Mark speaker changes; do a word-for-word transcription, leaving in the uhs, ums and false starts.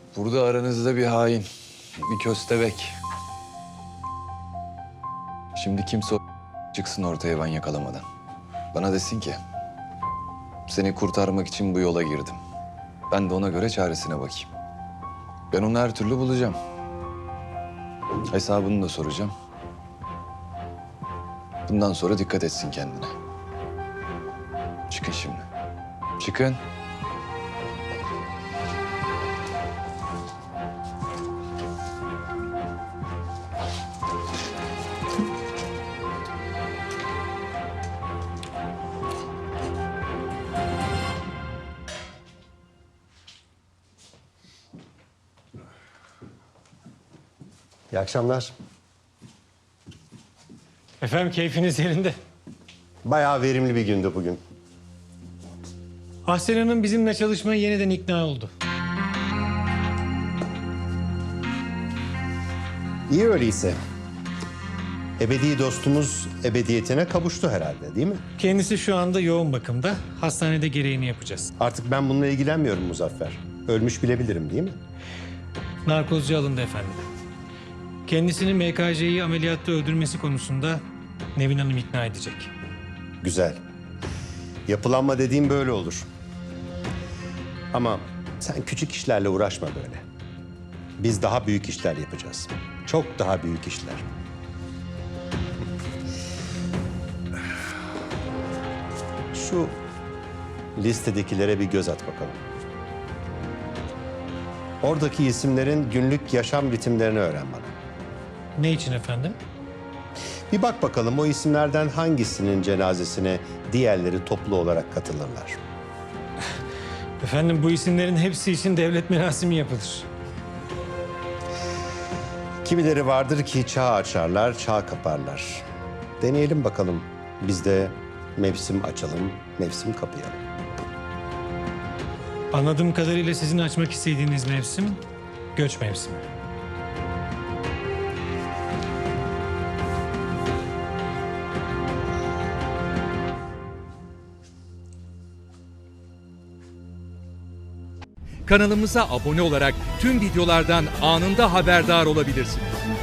Speaker 1: Burada aranızda bir hain, bir köstebek. Şimdi kimse o çıksın ortaya ben yakalamadan. Bana desin ki, seni kurtarmak için bu yola girdim. Ben de ona göre çaresine bakayım. Ben onu her türlü bulacağım. Hesabını da soracağım. Bundan sonra dikkat etsin kendine. Çıkın şimdi. Çıkın.
Speaker 2: İyi akşamlar.
Speaker 3: Efendim keyfiniz yerinde.
Speaker 2: Bayağı verimli bir gündü bugün.
Speaker 3: Ahsen Hanım bizimle çalışmaya yeniden ikna oldu.
Speaker 2: İyi öyleyse. Ebedi dostumuz ebediyetine kavuştu herhalde, değil mi?
Speaker 3: Kendisi şu anda yoğun bakımda. Hastanede gereğini yapacağız.
Speaker 2: Artık ben bununla ilgilenmiyorum Muzaffer. Ölmüş bilebilirim, değil mi?
Speaker 3: Narkozcu alındı efendim. Kendisini M K C'yi ameliyatta öldürmesi konusunda Nevin Hanım ikna edecek.
Speaker 2: Güzel. Yapılanma dediğim böyle olur. Ama sen küçük işlerle uğraşma böyle. Biz daha büyük işler yapacağız. Çok daha büyük işler. Şu listedekilere bir göz at bakalım. Oradaki isimlerin günlük yaşam ritimlerini öğren bana.
Speaker 3: Ne için efendim?
Speaker 2: Bir bak bakalım o isimlerden hangisinin cenazesine diğerleri toplu olarak katılırlar.
Speaker 3: Efendim bu isimlerin hepsi için devlet merasimi yapılır.
Speaker 2: Kimileri vardır ki çağ açarlar, çağ kaparlar. Deneyelim bakalım. Biz de mevsim açalım, mevsim kapayalım.
Speaker 3: Anladığım kadarıyla sizin açmak istediğiniz mevsim göç mevsimi.
Speaker 4: Kanalımıza abone olarak tüm videolardan anında haberdar olabilirsiniz.